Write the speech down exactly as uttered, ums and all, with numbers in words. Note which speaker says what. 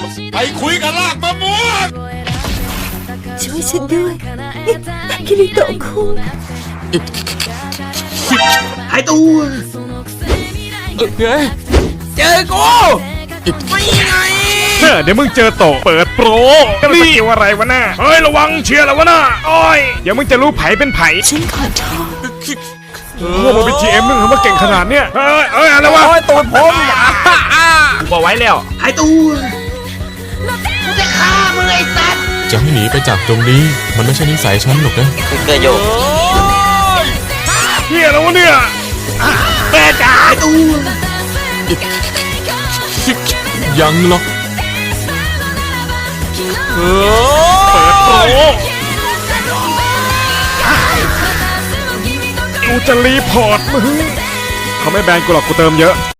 Speaker 1: ไปคุยกับลากมะม่วง
Speaker 2: ช่วยฉันด้วยคิริโตะคุง
Speaker 3: หายตัว
Speaker 1: เฮ้ยเจอกูไม่ไง
Speaker 4: เดี๋ยวมึงเจอโตเปิดโปรนี่สกิลอะไรวะน่ะเฮ้ยระวังเชียร์แล้ววะน่ะโอ้ยเดี๋ยวมึงจะรู้ไผเป็นไผ
Speaker 2: ฉันขอโทษ
Speaker 4: พวกมันเป็น จี เอ็ม มึงทำมาเก่งขนาดเนี้ยเฮ้ยเฮ้ยอะไรวะ
Speaker 1: โอ้ยตัวผม
Speaker 4: กูบอกไว้แล้ว
Speaker 3: หายตัวกูจะฆ่ามึงไอ้สัตว์
Speaker 5: จะให้หนีไปจากตรงนี้มันไม่ใช่นิสัยฉันหรอกนะ
Speaker 1: เกิดโยก
Speaker 4: เฮียแล้ววะเนี่ยแม่จ๋า
Speaker 3: หายตัว
Speaker 5: ยังหรอก
Speaker 4: เปิดโปรกูจะรีพอร์ตมึงเขาไม่แบนกูหรอกกูเติมเยอะ